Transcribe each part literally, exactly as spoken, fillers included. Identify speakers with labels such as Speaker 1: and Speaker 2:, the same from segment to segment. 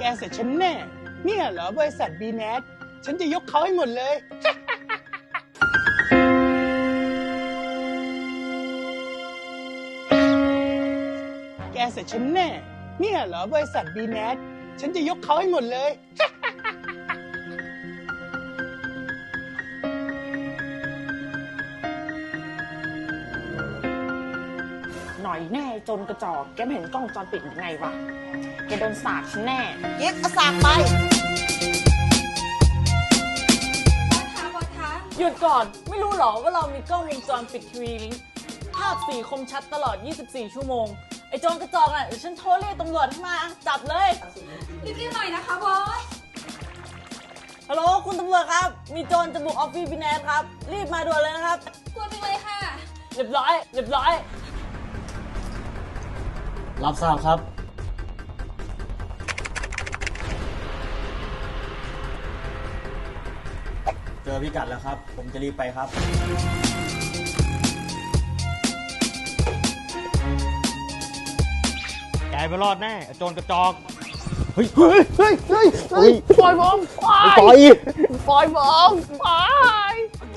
Speaker 1: แกเสร็จฉันแน่เนี่ยเหรอบริษัทบีแนทฉันจะยกเขาให้หมดเลย แกเสร็จฉันแน่เนี่ยเหรอบริษัทบีแนทฉันจะยกเขาให้หมดเลย
Speaker 2: หน่อยแน่จนกระจอกแกไม่เห็นกล้องวงจรปิดยังไงวะแกโดนสาดฉันแน่
Speaker 3: ยิบเอาสากไป
Speaker 2: หยุดก่อนไม่รู้หรอว่าเรามีกล้องวงจรปิดทีวีลิงก์ภาพสีคมชัดตลอดยี่สิบสี่ชั่วโมงไอ้โจรกระจอกน่ะเดี๋ยวฉันโทรเรียกตำรวจให้มาจับเลยรีบๆหน่อยนะคะบอสฮัลโหลคุณตำรวจครับมีโจรจะบุกออฟฟิศบีแนทครับรีบมาด่วนเลยนะครับด่วนไปเลยค่ะเรียบร้อยเรียบร้อย
Speaker 4: รับทราบครับเจอพิกัดแล้วครับผมจะรีบไปครับแกไม่รอดแน่โจรกระจอกเฮ้ยเฮ้ยเฮ้ยเฮ้ยเฮ้ยปล่อยผมปล่อยปล่อยปล่อยผมปล่อย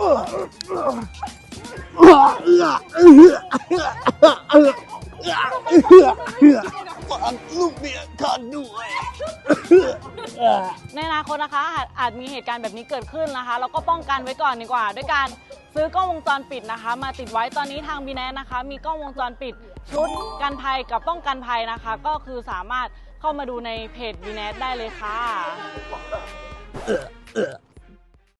Speaker 4: ฟังลูกเมียข้าด้วย
Speaker 2: ในอนาคตนะคะอาจอาจมีเหตุการณ์แบบนี้เกิดขึ้นนะคะแล้วก็ป้องกันไว้ก่อนดีกว่าด้วยการซื้อกล้องวงจรปิดนะคะมาติดไว้ตอนนี้ทางบีแนทนะคะมีกล้องวงจรปิดชุดกันภัยกับป้องกันภัยนะคะก็คือสามารถเข้ามาดูในเพจบีแนทได้เลยค่ะ